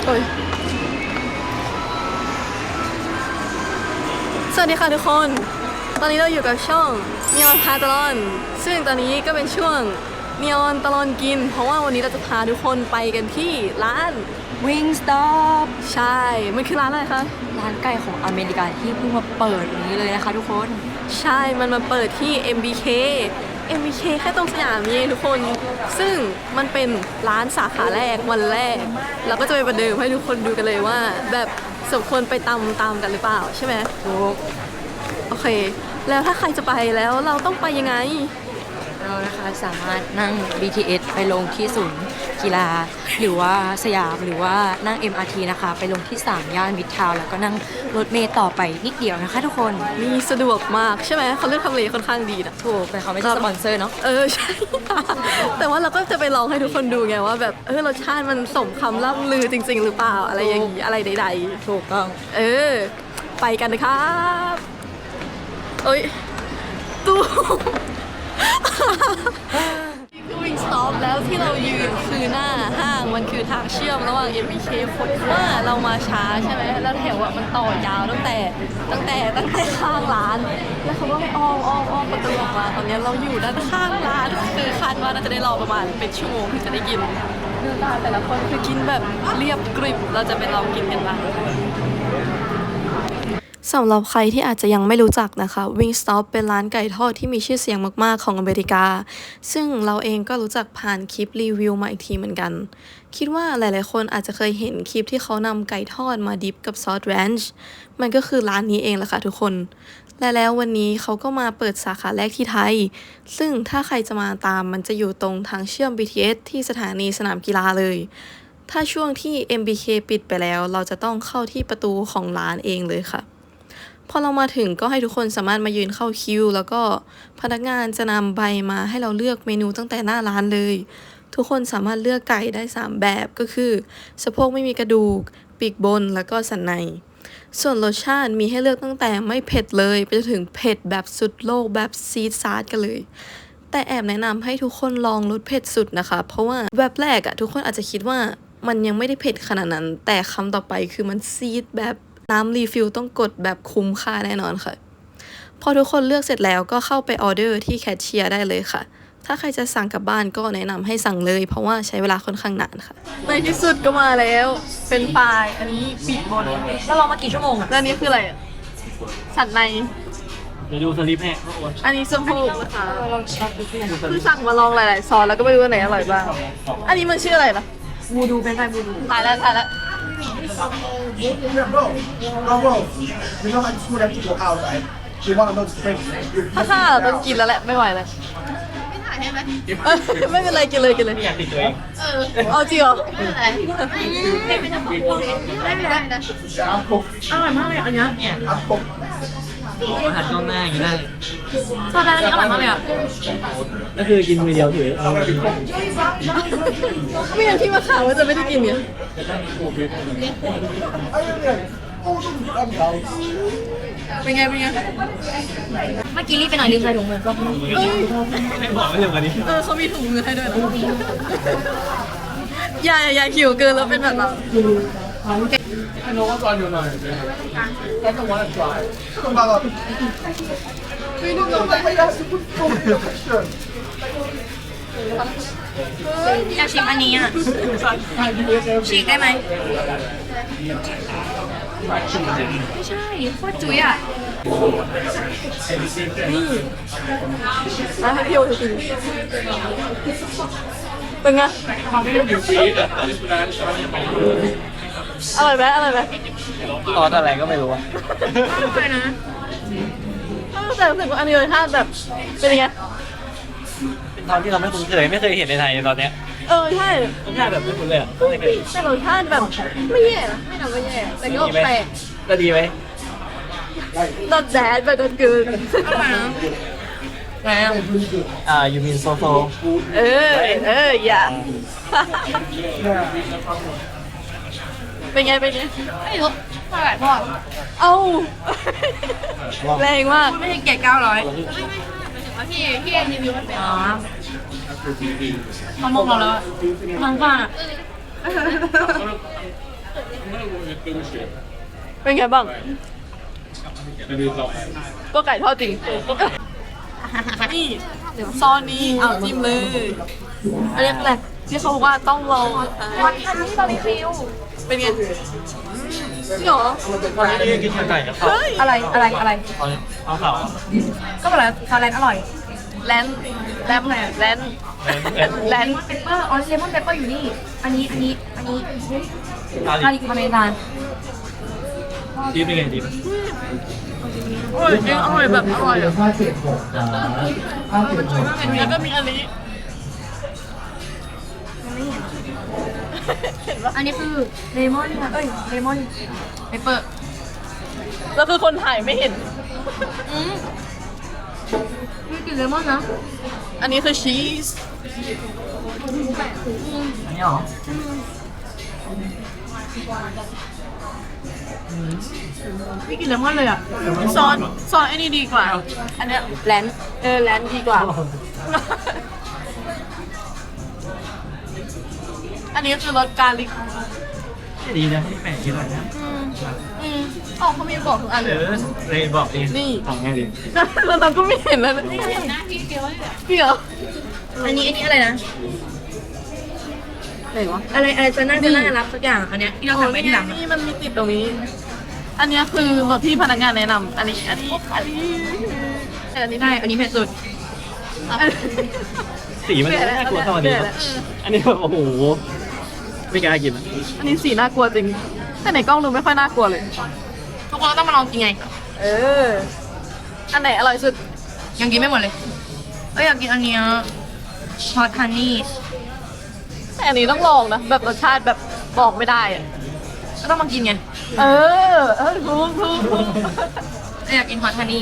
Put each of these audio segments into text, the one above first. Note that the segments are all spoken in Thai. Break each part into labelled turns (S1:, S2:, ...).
S1: โอ้ยสวัสดีค่ะทุกคน ตอนนี้เราอยู่กับช่อง Neon พาตลอนซึ่งตอนนี้ก็เป็นช่วง Neon ตลอนกิน เพราะว่าวันนี้เราจะพาทุกคนไปกันที่ร้าน
S2: Wingstop
S1: ใช่ มันคือร้านอะไรคะ
S2: ร้านไก่ของอเมริกาที่เพิ่งมาเปิดนี้เลยนะคะทุกคน
S1: ใช่ มันมาเปิดที่ MBK แค่ตรงสยามนี่เองทุกคน ซึ่งมันเป็นร้านสาขาแรกวันแรก เราก็จะไปประเดิมให้ทุกคนดูกันเลยว่า แบบสมควรไปตามกันหรือเปล่าใช่ไหม
S2: ถูก
S1: โอเค แล้วถ้าใครจะไปแล้วเราต้องไปยังไง
S2: เรานะคะสามารถนั่ง BTS ไปลงที่ศูนย์กีฬาหรือว่าสยามหรือว่านั่ง MRT นะคะไปลงที่ 3 ย่านมิตรทาวน์แล้วก็นั่งรถเมล์ต่อไปนิดเดียวนะคะทุกคน
S1: มีสะดวกมากใช่ไหมเขาเลือกทำเลค่อนข้างดีนะ
S2: ถูกแต่เขาไม่ใช่สปอนเซอร์เนาะ
S1: ใช่ แต่ว่าเราก็จะไปลองให้ทุกคนดูไงว่าแบบรสชาติมันสมคำล่ำลือจริง ๆ หรือเปล่าอะไรอย่างนี้อะไรใดๆ
S2: ถูกต้อง
S1: ไปกันนะครับเอ้ยตู้คือ Wingstop แล้วที่เรายืนคือหน้าห้างมันคือทางเชื่อมระหว่าง MBK คนว่าเรามาช้าใช่ไหมแล้วแถวมันต่อยาวตั้งแต่ข้างร้าน แล้วเขาก็ให้อ้อมประตูออกมาตอนนี้เราอยู่ด้านข้างร้านคือคาดว่าน่าจะได้รอประมาณเป็นชั่วโมงถึงจะได้กินดูตาแต่ละคนคือกินแบบเรียบกริบเราจะไปลองกินกันบ้างสำหรับใครที่อาจจะยังไม่รู้จักนะคะ Wingstop เป็นร้านไก่ทอดที่มีชื่อเสียงมากๆของอเมริกา ซึ่งเราเองก็รู้จักผ่านคลิปรีวิวมาอีกทีเหมือนกัน คิดว่าหลายๆคนอาจจะเคยเห็นคลิปที่เขานำไก่ทอดมาดิปกับซอสแรนช์มันก็คือร้านนี้เองแหละค่ะทุกคน และแล้ววันนี้เขาก็มาเปิดสาขาแรกที่ไทย ซึ่งถ้าใครจะมาตามมันจะอยู่ตรงทางเชื่อม BTS ที่สถานีสนามกีฬาเลย ถ้าช่วงที่ MBK ปิดไปแล้วเราจะต้องเข้าที่ประตูของร้านเองเลยค่ะพอเรามาถึงก็ให้ทุกคนสามารถมายืนเข้าคิวแล้วก็พนักงานจะนำใบมาให้เราเลือกเมนูตั้งแต่หน้าร้านเลยทุกคนสามารถเลือกไก่ได้3แบบก็คือสะโพกไม่มีกระดูกปีกบนแล้วก็สันในส่วนรสชาติมีให้เลือกตั้งแต่ไม่เผ็ดเลยไปจนถึงเผ็ดแบบสุดโลกแบบซีดซาร์ดกันเลยแต่แอบแนะนำให้ทุกคนลองรสเผ็ดสุดนะคะเพราะว่าแบบแรกทุกคนอาจจะคิดว่ามันยังไม่ได้เผ็ดขนาดนั้นแต่คำต่อไปคือมันซีดแบบน้ำรีฟิลต้องกดแบบคุ้มค่าแน่นอนค่ะพอทุกคนเลือกเสร็จแล้วก็เข้าไปออเดอร์ที่แคชเชียร์ได้เลยค่ะถ้าใครจะสั่งกลับบ้านก็แนะนำให้สั่งเลยเพราะว่าใช้เวลาค่อนข้างนานค่ะในที่สุดก็มาแล้วเป็นปลายอันนี้ปีกบน
S2: แล้วรอมากี่ชั่วโมงอะ
S1: แล้วอันนี้คืออะไรสันใน
S3: เดี๋ยวดูสลิปให้
S1: อันนี้สะโพกนะคะ
S2: ลองช็อตดูสิ
S1: คือสั่งมาลองหลายๆซอสแล้วก็ไม่รู้ว่าไหนอร่อยบ้างอันนี้มันชื่ออะไรล่ะ
S2: บูดูเป็นไงบูดู
S1: ถ่ายแล้ว
S4: You know how you have to go out, right? You want to know the strength.
S1: ถ้าเราต้องกินแล้วแหละไม่ไหวแล้วไม่เป็นไรกินเลย
S3: ไม่อยากติดตัวเอง
S1: เอาจริงเหรอ
S2: อร่อยมากเลยอันนี้
S3: อาหารก้าวหน้าอย่างนี้ได้
S2: ซอสร้านนี้อร่อยมากเลยอ่ะ
S3: ก็คือกินมือเดียวถือเอา
S1: ไม่งั้นพี่มาข่าวว่าจะไม่ได้กินเนี่ยเป็นไง
S2: เมื่อกี้รีบไปหน่อยลืมใส่ถุงมือก็
S3: ไม่บอกไม่เร็วกว่านี้
S1: เขามีถุงมือให้ด้วยนะอย่าหิวเกินแล้วเป็นแบบเรา
S4: I know what's on your mind. I don't want to try. Come on. We don't know that we have to put food in the picture.
S2: อยากชิมอันนี้อ่ะฉีกได้ไหมไม่ใช่โคตรจุ๋ยอ่ะ
S1: ให้พี่โอจะกินเป็นไงอร่อยไหม
S3: ซอสอะไรก็ไม่รู้อะ
S2: อร่อยนะ
S1: แต่รู้สึกว่าอันนี้รสชาติแบบเป็นยังไง
S3: เป็นตอนที่เราไม่คุ้นเคยไม่เคยเห็นในไทยตอนเนี้ย
S1: ใช่
S3: รสชาติแบบไม่คุ้นเลยอะไม่เคย
S1: แต่รสชาติแบบไม่แย่นะไม่ทำไม่แย่แต่ก็แปลก
S3: ก็ดีไหม
S1: not bad but not good
S2: อร่อยนะ
S3: ยูมินโซโซ
S1: อย่าเป็นไง
S2: ไม่รู้เท่าไหร่พ่อ
S1: เอ้าแรงมาก
S2: ไม่ใช่เกรด900พี่รีวิวมันเป็นอ๋อเขามองเราแล้วอะบางฝ่า
S1: เป็นไงบ้าง ก็ไก่ทอดจริง นี่ซอสนี้เอาจิ้มเลยอันนี้แหละที่เขาบอกว่าต้องลองวันทันนี่บาร์บีคิวเป็นไงจริงเหรอ
S3: ตอนนี้กินไก่กับข้าว
S2: อะไร
S3: เอาขาว
S2: ก็แบบซาแลนอร่อย
S1: แลนแลมไงแลนแลน
S2: เปปเปอร์เลมอนเปปเปอร์อยู่นี่ อันนี้
S3: อา
S2: อา
S3: ลี
S2: ริคาเมราน
S3: ดีเป็นไงดี
S1: อร่อยจริงอร่อยแบบอร่อยอ่ะ
S4: 576ครับ576
S1: แล้วก็มีอันนี้
S2: อันนี้คือเลมอนเลมอนเปปเปอร์
S1: แล้วคือคนถ่ายไม่เห็น
S2: มีกลิ่นเลมอนนะ
S1: อันนี้คือชีส
S3: อันนี้เหรอ
S1: ไม่กินเลมอนเลยอ่ะซอสไอ้นี่ดีกว่า อันเนี้ย
S2: แลน
S1: แลนดีกว่า อันนี้คือรสกาลิก
S3: ดีนะที่แปลกกินอะไรนะ
S1: อ๋อเขามีบอกทุกอันเลย
S3: เลยบอกดี
S1: นี่
S3: ของไงดี
S1: แล้วเราก็ไม่เห็นแล้วนะพี่เดียว
S2: อันนี้อะไรนะ
S1: ไหนวะ
S2: อะไรจะน่ารับสักอย่างอันเนี้ยที่เราสั่งไปที่หลัง
S1: นี่มันมีติดตรงนี้ อันเนี้ยคือรสที่พนักงานแนะนำอันนี้
S2: ได้อันนี้เผ็ดสุด
S3: สีมันน่ากลัวเท่านี้อันนี้แบบโอ้โหไม่กล้ากิน
S1: อันนี้สีน่ากลัวจริง แต่ในกล้องดูไม่ค่อยน่ากลัวเลย
S2: ทุกคนต้องมาลองกินไง
S1: อันไหนอร่อยสุด
S2: ยังกินไม่หมดเลยอยากกินอันเนี้ยฮอตฮันนี่
S1: แต่อันนี้ต้องลองนะ แบบรสชาติแบบบอกไม่ได้อะ
S2: ก็ต้องมากินไง
S1: ถูก
S2: อยากกินฮอตฮันนี่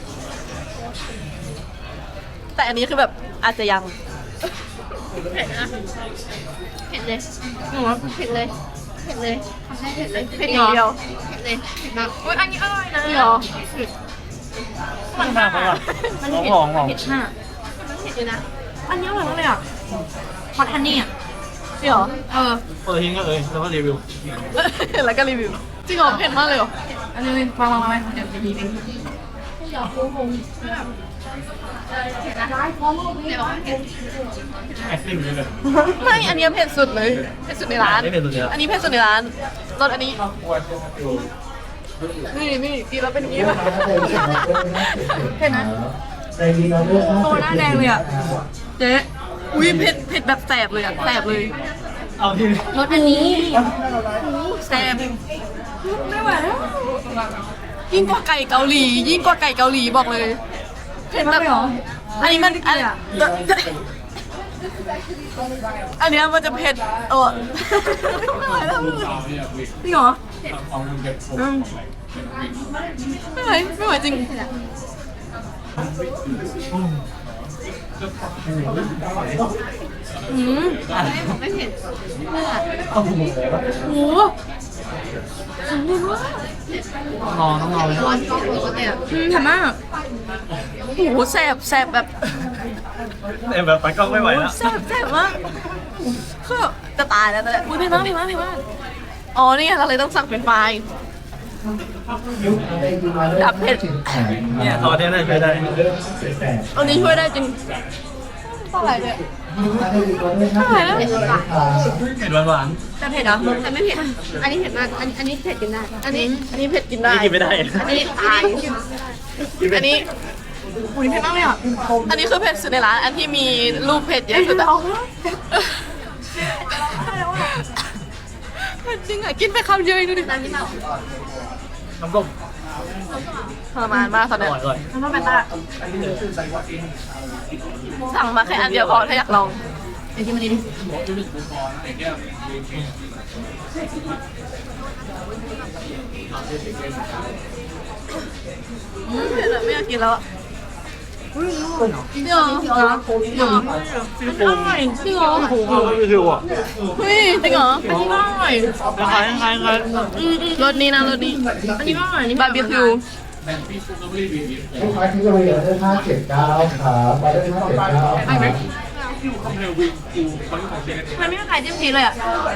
S1: แต่อันนี้คือแบบอาจจะยัง
S2: เผ็ดเลยหนูว่าเผ็ดเลยทำได้เผ็ดเลย
S1: เผ็ดอย่างเดียว
S2: เผ็ดเลยเผ็ดมากอันนี้อร่อยนะ
S1: นี่หรอ
S3: มันมากเพราะว่า
S2: มัน
S3: หอ
S2: เผ็ด
S3: มหอม
S2: เผ็ดมากมันเผ็ดเลยนะ อันนี้อร่อยมากเลยอ่ะฮอตฮันนี่อ่ะ
S1: นี่หรอ
S3: เปิดทิ้งก็แล้วก็รีวิว
S1: แล้วก็รีวิว จริงเหรอเผ็ดมากเลยเหรอ
S2: อันนี้วางไว้เดี๋ยวจะมีเอง
S3: ไอติมเลย
S1: ไม่ อันนี้เผ็ดสุดเลย เผ็ดสุดในร้าน
S3: ไม่เป็นตัวเดียว
S1: อันนี้เผ็ดสุดในร้านรสอันนี้ นี่กินแล้วเป็นอย่างนี้ป่ะ
S2: เผ็ดนะ
S4: ในดีนอเดอร์
S2: ตัวหน้าแดงเลยอ่ะ เจ๊
S1: อุ้ยเผ็ดแบบแสบเลยอ่ะแสบเลย
S3: เอาที่
S2: รสอันนี้
S1: แสบไม่ไหวแล้วยิ่งกว่าไก่เกาหลี ยิ่งกว่าไก่เกาหลีบอกเลย เผ็ดแบบ อันนี้มันอันเนี้ยมันจะเผ็ดไม่ไหวแล้ว
S2: จริงเหรอ
S1: ไม่ไหวจริงโอ้โห
S3: ต้องรอเลย
S2: ทำมาก
S1: โอ้โหแสบแบบ
S3: แต่แบบไปกล้องไม่ไหวแล้ว
S1: แสบมากคือจะตายแล้วแต่อุ้ยเผ็ดมากอ๋อนี่ไงเราเลยต้องสั่งเป็นไฟล์ ดับเผ็ด
S3: เนี่ยซอสเนี่ยน่าจะช่วยได้
S1: อันนี้ช่วยได้จริงเท่าไหร่เนี่ย
S3: เผ็ดหวาน
S2: แต่เผ็ดเหรอแต่ไม่เผ็ด อันนี้เผ็ดมาก อันนี้เผ็ดกินได้
S1: อันนี้เผ็ดกิน
S3: ๆ
S1: ได้
S3: นี่กินไม่ได้
S2: อันนี้ตาย
S1: อันนี้อุ้ยเผ็ดมากเลยอ่ะอันนี้คือเผ็ดสุดในร้าน อันที่มีรูปเผ็ดเยอะสุดแต่เผ็ดจริงอ่ะกินไปคำเดียวเองดูดิ
S3: น้ำส้ม
S1: ทรมานมากตอน
S3: อ
S1: เนี้ย
S3: ร่อย
S2: มันต้องเป็นตา
S1: สั่งมาแค่อันเดียวพอถ้าอยากลอง
S2: เดี๋ยวกินมันดีดิ
S1: เผ็ดอะไม่อยากกินแล้วอ่ะจริงเหรอ
S3: ซิลิโคน
S1: จริงเหรอ
S3: ซิลิโคนไม่คือว่ะ
S1: เฮ้ยจริงเหรออันนี้ก็อร่อย
S3: คล้าย
S1: รสนี้นะรสนี้
S2: อันนี้ก็อร่อยอันนี้
S1: บาร์บีคิว
S4: ลูกค้าที่จะไปออเดอร์579ครับออเดอร์579ครับ
S2: มันไม่มีใครจิ้มชีสเลยอ่ะ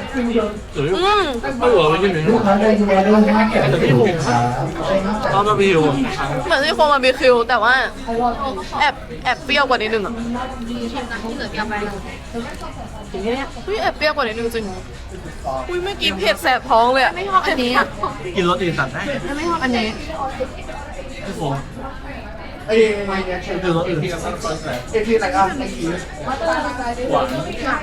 S3: ไม่เหรอไม่ใช่หนึ่งแต่พี่ผมตอนมาพี่ผม
S1: เหมือนซี่โครงบาร์บีคิวแต่ว่าแอบเปรี้ยวกว่านิดนึงอ่ะอุ้ยแอบเปรี้ยวกว่านิดนึงจริงอุ้ยเมื่อกี้เผ็ดแสบท้องเลยอะ
S2: ไม่ชอบอันนี้อ่ะ
S3: กินรสอื่นสั่งได้
S2: ไม่ชอบอันนี้
S3: พี่ผม
S4: 哎，
S3: คือรสอื่น
S4: ที่ไหนอ่ะ
S3: หวาน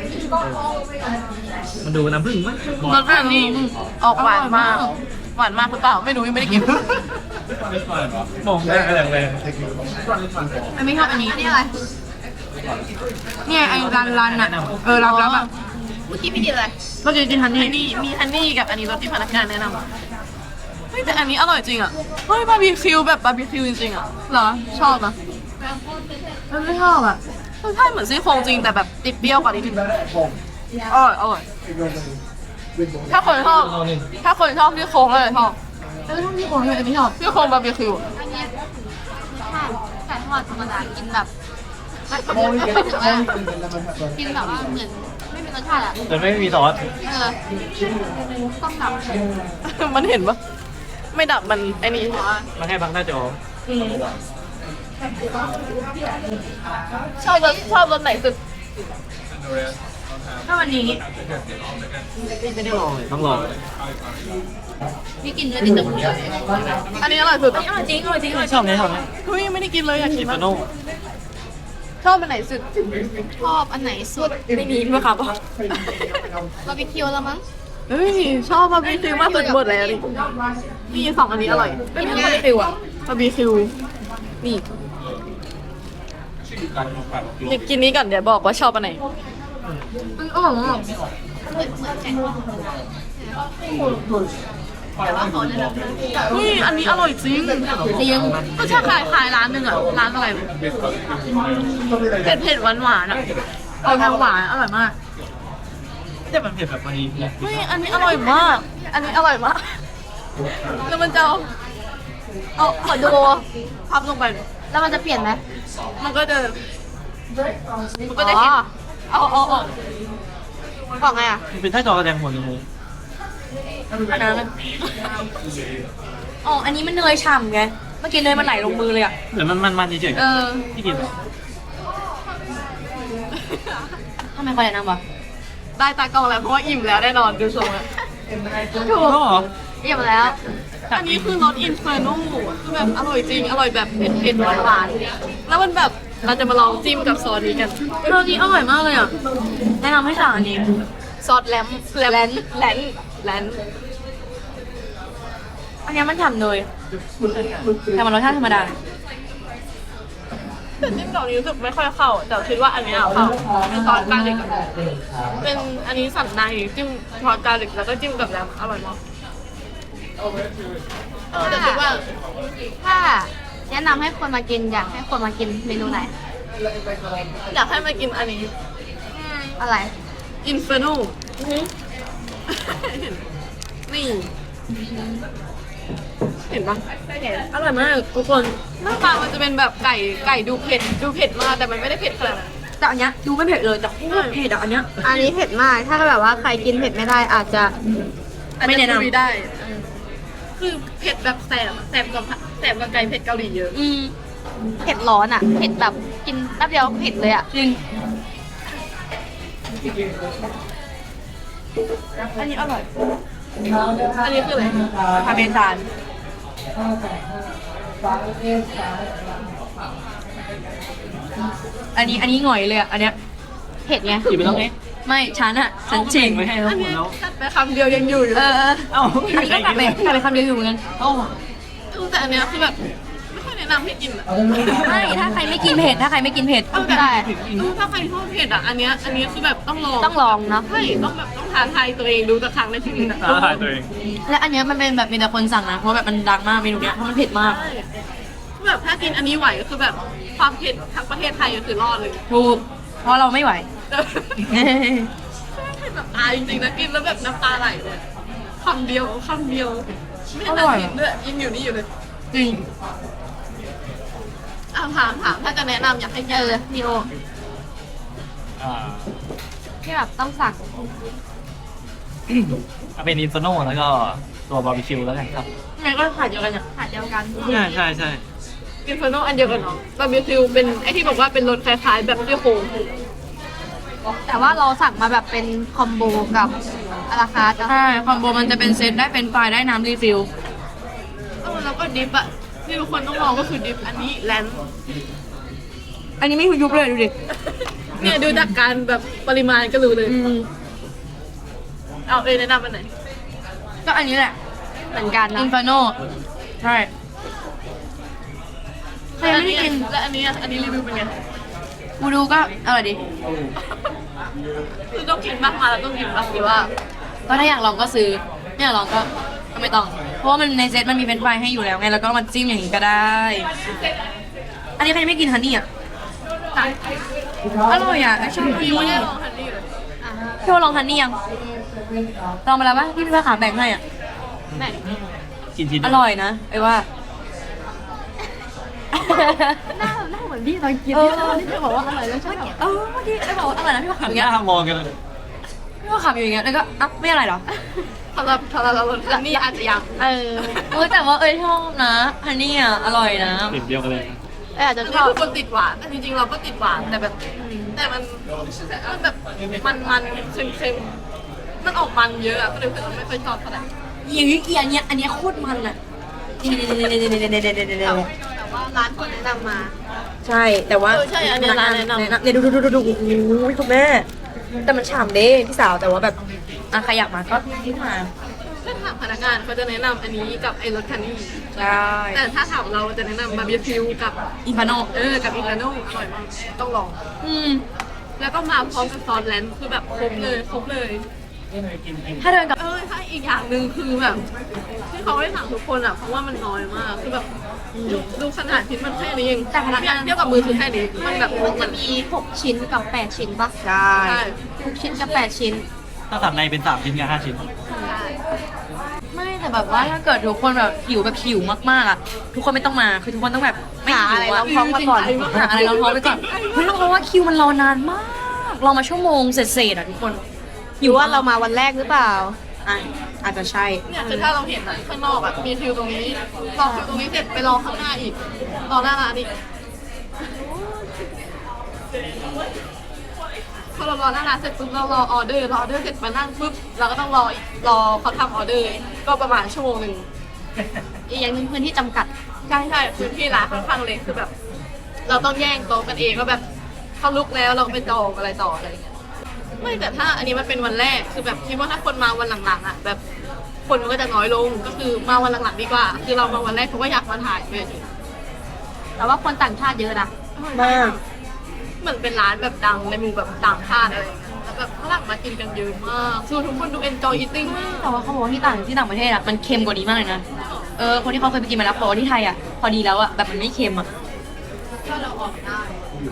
S3: มันดูน้ำผึ้งมั้ย
S1: รสแบบนี้ออกหวานมากหวานมากหรือเปล่าไม่รู้ยังไม่ได้กิน
S3: มองได้แรงแรง
S2: ไม่ชอบอันนี้นี่อะไรเนี่ยไอ้รันอ่ะรับแบบ
S1: เมื่อกี้พี่กินอะไร
S2: เมื่อกี้กินฮันนี่
S1: นี่มีฮันนี่กับอันนี้รสที่พนักงานแนะนำอะเฮ้ยแต่อันนี้อร่อยจริงอ่ะเฮ้ยบาร์บีคิวแบบบาร์บีคิวจริงๆอ่ะเหรอชอบนะ
S2: มันไม่ชอบอ่ะ
S1: ใช่เหมือนซี่โครงจริงแต่แบบติดเปรี้ยวกว่านิดนึงอร่อยอร่อยถ้าคนชอบซี่โครงก็เลยชอบ
S2: แล้วชอบที่โคนด้วยไม่ชอบ
S1: ซี่โครงบาร์บีคิว
S5: ไก่ทอดธรรมดากินแบบกินแบบว่าเหมือนไม่มีรสชาติอ่ะ
S3: แต่ไม่มีซอส
S5: ต้องดับ
S1: มันเห็นปะไม่ดับมันไอ้นี่
S3: มันแค่บังหน้าจอ
S1: ชอบรสไหนสุด
S2: ถ้าวันนี้
S3: ไม่ได้ลองเลยต้องลอง
S5: พี่กินด้วยติดตะกุย
S1: อันนี้อร่อยสุด
S2: อร่อยจริงอร่อยจริงอร่อย
S3: ชอบไหมชอบไหม
S1: เฮ้ยไม่ได้กินเลยอยากกิน
S3: ปา
S1: มา
S3: โน่
S1: ชอบอันไหนสุด
S5: ชอบอันไหนสุด
S2: ไม่มีด้วยครับ
S5: บาร์บีคิวแล้วมั้ง
S1: เฮ้ยชอบบาร์บีคิวมากสุดหมดแล้วดินี่สองอันนี้อร่อย
S2: ไม่มีบาร์บีคิวอ่ะ
S1: บาร์บีคิวนี่อยากกินนี้ก่อนเดี๋ยวบอกว่าชอบอันไหน
S2: มันอร่อยมาก
S1: เฮ้ยอันนี้อร่อยจริงก็ใช่ขายร้านหนึ่งอะร้านอะไรเผ็ดหวานๆอะ
S2: เอาทางหวานอร่อยมาก
S3: แต่มันเผ็ดแบบพอดี
S1: เฮ้ยอันนี้อร่อยมาก อันนี้อร่อยมากแล้วมันจะเอาขอดูพับลงไป
S5: แล้วมันจะเปลี่ยนไหม
S1: มันก็จะเห็นเอา
S5: บอกไงอ่ะ
S3: มันเป็นไส้กรอกกระแดงหัวหมู
S2: อันนั้นอ๋ออันนี้มันเนยฉ่ำไงเมื่อกี้เนยมันไหลลงมือเลยอ่ะ
S3: เหมือนมันเฉย
S1: เออ
S3: ๆที่กิน
S2: ทำไมเขาแนะนำวะ
S1: ได้ตากล้องแล้วเพราะว่าอิ่มแล้วแน่นอนดูทรงอะ
S3: ถูกเหรอ
S5: เรียบแล้ว
S1: อันนี้คือรสอินเฟอร์โน่คือแบบอร่อยจริง อร่อยแบบเผ็ดๆหวานๆแล้วมันแบบเราจะมาลองจิ้มกับซอสนี้กัน
S2: รสนี้อร่อยมากเลยอ่ะแนะนำให้สั่งอันนี้
S1: ซอสแลน
S2: อันนี้มันฉ่ำเนยแต่มันรสชาติธรรมดา
S1: แต่จิ้มดอกนี้รู้สึกไม่ค่อยเข้า แต่คิดว่าอันนี้เข้าเป็นซอสกาลิกอะเป็นอันนี้สันในจิ้มซอสกาลิกแล้วก็จิ้มกับแลมอร่อยมากแต่คิดว่า
S5: ถ้าแนะนำให้คนมากินอยากให้คนมากินเมนูไหน
S1: อยากให้มากินอันนี้
S5: อะไร
S1: อินเฟอร์โน่นี่เห็นปะ
S2: อร่อยมากทุกคน
S1: หน้าตามันจะเป็นแบบไก่ดูเผ็ดมากแต่มันไม่ได้เผ็ดขนาดนั้น
S2: แต่อันเนี้ยดูไม่เผ็ดเลยแต่โคตรเผ็ดอ่ะอันเนี้ย
S5: อันนี้เผ็ดมาก ถ้าแบบว่าใครกินเผ็ดไม่ได้อาจจะ
S2: ไม่แนะนำ
S1: อาจจคุยได้คือเผ็ดแบบแสบกับไก่เผ็ดเกาหลีเยอะ
S5: เผ็ดร้อนอ่ะ เผ็ดแบบกินแป๊บเดียวเผ็ดเลยอ่ะ
S2: จริงอันนี้อร่อย
S1: อันนี้คืออะไร
S2: พาเมซานอันนี้หง่อยเลยอ่ะอันเนี้ย
S5: เผ็ดไง
S3: กินไปแล้วไง
S2: ไม่ฉันชิง
S3: ไม่ให้แล้วหมดแล้ว
S1: กัดไปคำเดียวยังอยู่อยู่
S2: เออ
S3: เอ้า
S2: อันนี้ก็กลับไปคำเดียวอยู่เหมือนกัน
S3: เอ้า
S1: แต่อันเนี้ยคือแบบไม่ค่อยแนะนำให้กินอะ
S2: ไม่ถ้าใครไม่กินเผ็ดถ้าใครไม่กินเผ็ด
S5: ได้
S1: ถ้าใครชอบเผ็ดอ่ะอันเนี้ยคือแบบต้องลอง
S5: ต้องลองเนาะ
S1: ใช่ต้องท้าทายตัวเองดูสักครั้งในชีวิตอะ
S3: ท้าทายตัวเอง
S2: และอันเนี้ยมันเป็นแบบมีแต่คนสั่งนะเพราะแบบมันดังมากเมนูเนี้ยเพราะมันเผ็ดมาก
S1: คือแบบถ้ากินอันนี้ไหวก็คือแบบความเผ็ดทั้งประเทศไทยก็คือรอดเลย
S2: ถูกเพราะเราไม่ไหว
S1: เผ็ดแบบตายจริงๆนะกินแล้วแบบน้ำตาไหลเลยคำเดียวไม่
S2: อ
S1: น่า
S2: ร่อย
S1: กินด้วยยังอยู่นี่อยู่เลย
S2: จริง
S1: ถามถ้าจะแนะนำอยากให้กิน
S5: พี่โอ
S3: อ่า
S5: ที่แบบต้องสั่ง
S3: เอาเป็นอินฟโนแล้วก็ตัวบาร์บีคิวแล้วกันครับ
S2: งั้นก็ขาดเดียวกันอ่ะ
S5: ขาดเดียวกัน
S3: ใช่ใช่
S6: อินเฟอร์โนอันเดียวกันเนาะบาร์บีคิวเป็นไอที่บอกว่าเป็นรสคล้ายๆแบบซี่โครง
S5: แต่ว่าเราสั่งมาแบบเป็นคอมโบกับอาราคาร์ทอะ
S2: ใช่คอมโบมันจะเป็นเซตได้เป็นไฟล์ได้น้ำรีฟิล
S6: แล้วก็ดิฟอะที่ทุกคนต้องลองก็คือดิฟอันนี้แลนด์
S2: อันนี้ไม่ยุบเลยดูดิ
S6: เนี่ยดูจากการแบบปริมาณก็รู้เลย เอาแนะนำอันไหน
S2: ก็อันนี้แหละ
S5: เหมือนกัน
S2: อิ
S5: นะ
S2: นฟาโนใช่ใครไม่ได้กิน
S6: และอันนี้อะอันนี้รีวิวเป็นไง
S2: กูดูก็อร่อยดี
S6: คือต้องกินมากมาแล้วต้องกินมากหรือว่า
S2: ก็ถ้าอยากลองก็ซื้อไม่อยากลองก็ไม่ต้อง เพราะว่ามันในเซตมันมีเป็นไฟรายให้อยู่แล้วไง แล้วก็มาจิ้มอย่างนี้ก็ได้ อันนี้ใครไม่กินฮันนี่อ่ะ อร่อยอ่ะชอบฮันนี่
S6: ไม่ได้ลองฮันนี่เลย
S2: พี่ว่าลองฮันนี่ยังลองไปแล้วปะที่พี่ว่าขาแบ่งให้อ่ะ
S6: แม่ง
S3: กินชิ้น
S2: อร่อยนะไอ้ว่า
S5: หน้าเหมือนพี่ตอนกิน
S2: เออ
S5: ที่เธอบอกว่าอร่อยแล้วใช่ไหม
S2: เมื่อกี้ไอ้บอกว่าอร่อยนะพี่ว่า
S3: หั
S2: ขำ
S3: น
S2: อย่าง
S3: ห
S2: เงี้ย
S3: น้ามองกันเลย
S2: พี่ว่าขำอยู่อย่างเงี้ยแล้วก็อ่ะไม่อร่อยเหรอ
S6: สำหรับเราฮันนี่อาจจะยัง
S5: เออ
S2: แต่ว่าชอบนะฮันนี่อ่ะอร่อยนะ
S3: ติดเดียวกันเลย
S5: อาจจะ
S6: อัน
S5: ช
S6: นี้
S5: อบ
S6: คือคนติดหวานแต่จริงๆเราก็ติดหวานแต่แบบแต่มันแบบมันเค็มๆมันออกมันเยอะอะก็เลยเราไม่ค่อยชอบเท่าไหร่
S2: อย่างนี้อันเนี้ยโคตรมันอ่ะนี่
S6: แต่ว่าร้านคนแนะนำมา
S2: ใช่แต่ว่า
S6: ใช่อันเนี้ยร้านแนะนำ
S2: เนี่ยดูโอ้โหคุณแม่แต่มันฉ่ำเด้พี่สาวแต่ว่าแบบอ่ะใครอยากมาก็ที่มา
S6: ถ้าถามพนักงานเขาจะแนะนำอันนี้กับไอ้รสคันนี่
S2: ใช่
S6: แต่ถ้าถามเราจะแนะนำบาร์บีคิวกับ
S2: อินฟาโน
S6: กับอิตาโน่อร่อยมากต้องลอง
S2: อืม
S6: แล้วก็มาพร้อมกับซอสแลนด์คือแบบครบเลย
S2: ถ้าเดินกับ
S6: ถ้าอีกอย่างหนึ่งคือแบบที่เขาได้สั่งทุกคนอ่ะเพราะว่ามันน้อยมากคือแบบดูขนาดชิ้นมันแค่นี้เอง
S2: แต่พนักงาน
S6: เทียบกับมือคือแค่นี้มันแบบ
S5: มันจะมี6ชิ้นกับ8ชิ้นปะ
S2: ใช่
S6: ใช่
S5: 6ชิ้นกับ8ชิ้น
S3: ถ้าสับในเป็น3 ชิ้นกับ5 ชิ้น
S2: ไม่แต่แบบว่าถ้าเกิดทุกคนแบบหิวมากๆอ่ะทุกคนไม่ต้องมาคือทุกคนต้องแบบไม่หิว
S5: หาอะไรร
S2: อ่ะ
S5: องท้องมาก่อน
S2: หาอะไรรองท้องไปก่อนเฮ้ยเพราะว่าคิวมันรอนานมากรอมาชั่วโมงเศษๆอ่ะทุกคน
S5: หรือว่าเรามาวันแรกหรือเปล่า
S2: อ่ะอาจจะใช่
S6: เนี่ยคือถ้าเราเห็นอะข้างนอกอะมีคิวตรงนี้รอคิวตรงนี้เสร็จไปรอข้างหน้าอีกรอหน้าร้านอีกพอเรารอหน้าร้านเสร็จปุ๊บเรารอออเดอร์เสร็จมานั่งปุ๊บเราก็ต้องรอเขาทำออเดอร์ก็ประมาณชั่วโมงหนึ่ง
S5: อีกอย่างหนึ่งพื้นที่จำกัด
S6: ใช่พื้นที่ร้านค่อนข้างเล็กคือแบบ เราต้องแย่งโต๊ะกันเองว่าแบบเขาลุกแล้วเราก็ไปจองอะไรต่ออะไรอย่างเงี้ยไม่แต่ถ้าอันนี้มันเป็นวันแรกคือแบบคิดว่าถ้าคนมาวันหลังๆอ่ะแบบคนมันก็จะน้อยลงก็คือมาวันหลังๆดีกว่า คือเรามาวันแรกเพราะว่าอยากมาถ่ายเลย
S5: แต่ว่าคนต่างชาติเยอะนะ
S2: มาก
S6: เหมือนเป็นร้านแบบดังในหมู่แบบต่างชาติอะไรอย่างเงี้ยแล้วแบบฝรั่งมากินกันเยอะมากคือทุกคนดู enjoy eating มาก
S2: แต่ว่าเขาบอกว่าที่ต่างประเทศอ่ะมันเค็มกว่านี้มากเลยนะคนที่เขาเคยไปกินมาแล้วบอกว่าที่ไทยอ่ะพอดีแล้วอ่ะแบบมันไม่เค็มอ่ะ
S6: ก็เราออกได้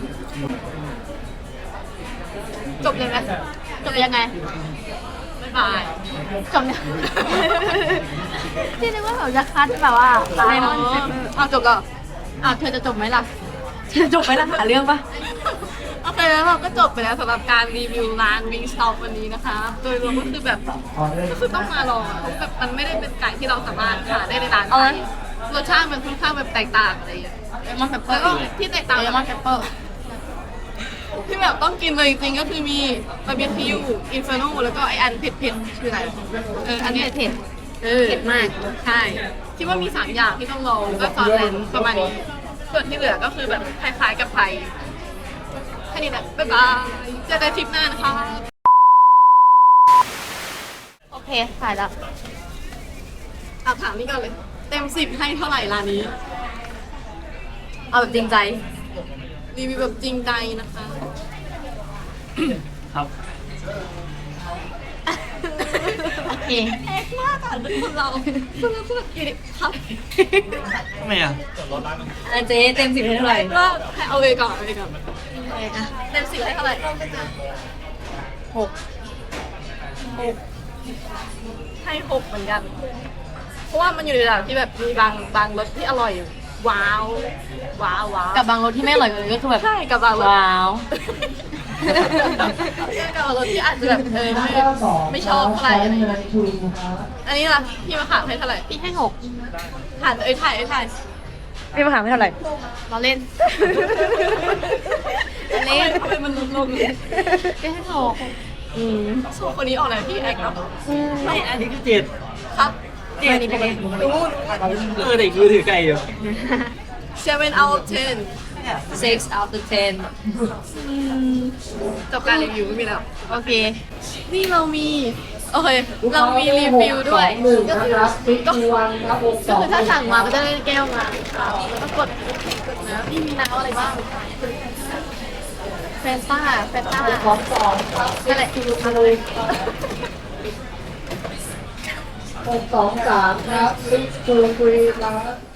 S6: จบเลยไหม
S5: จบยังไง
S6: บ๊ายบาย
S5: จบยังที่นึกว่าแบบจะคัดแบบว่า
S6: ไม่เนาะเอาจบแล้ว
S5: เธอจะจบไหมล่ะ
S2: จบไปแล้วหาเรื่องปะ
S6: โอเคแล้วเราก็จบไปแล้วสำหรับการรีวิวร้าน Wingstop วันนี้นะคะ โดยรวมก็คือแบบก็คือต้องมาลองอะเพราะแบบมันไม่ได้เป็นไก่ที่เราสามารถหาได้ในร้านไทยรสชาติมันค่อนข้างแบบแตกต่างอะไรอย่างเงี้ย
S2: เลมอนเปปเปอ
S6: แล้ว
S2: ร์
S6: ก็ที่แตกต่าง
S2: เลมอนเปปเปอร์
S6: ที่แบบต้องกินเลยจริงๆก็คือมีบาร์บีคิวอินฟาโนแล้วก็ไออันเผ็ดๆคืออะไรอันนี้เผ็ดเผ็ดมากใช่ที่ว่ามี3อย่างที่ต้องลองก็ซอสแลนด์ประมาณนี้ส่วนที่เหลือก็คือแบบคล้ายๆกับไทยแค่นี้แหละบ๊ายบายเจอกันทริปหน้านะคะ
S5: โอเคถ่ายแล้ว
S6: เอาถามนี่ก่อนเลย เต็ม10ให้เท่าไหร่ร้านนี้
S2: เอาแบบจริงใจ
S6: รีวิวแบบจริงใจนะคะ
S3: ครับ
S5: โอเค
S6: เอ็กมากอ่ะคนเราพูดกี่ครับ
S3: ทำไมอ่ะ
S2: อันเจ๊เต็ม10ให้เท่าไหร่
S6: ก็ให้เอาเลยก่อนเต็ม10ให้เท่าไหร่
S2: 6
S6: ให้6เหมือนกัน เพราะว่ามันอยู่ในระดับที่แบบมีบางรสที่อร่อย ว้าว
S2: กับบางรสที่ไม่อร่อยเลยก็คือแบบ
S6: ใช่กับบางรส
S2: ว้าว
S6: กับรถที่อาจจะแบบไม่ชอบเท่าไหร่อะไรอย่างเงี้ยอันนี้ล่ะพี่มะขามให้เท่าไหร่
S5: พี่ให้6
S6: ถ่ายถ่าย
S2: พี่มาหาไม่เท่าไหร่
S5: เราเล่น
S6: เล่นทำไมมันลงเลย
S5: พี่ให้6
S6: สองคนนี้ออกไหนพี่แอกเนาะ
S3: ไม่อันนี้คือเจ็ด
S6: ครับ
S2: เจ็ดนี่เป็นไง
S6: นู้น
S3: แต่คือถือไก่อยู่
S6: 7 out of 10
S2: 6 out of 10
S6: จบการรีวิวไม่มีแล้ว โอเค นี่เรามี โอเค เรามีรีวิวด้วยก็คือถ้าสั่งมาก็จะได้แก้วมาแล้วก็กดนะนี่มีน้ำอะไรบ้างแฟนต้านั่นแหละ
S4: 623 ครับ6 2 3ครับ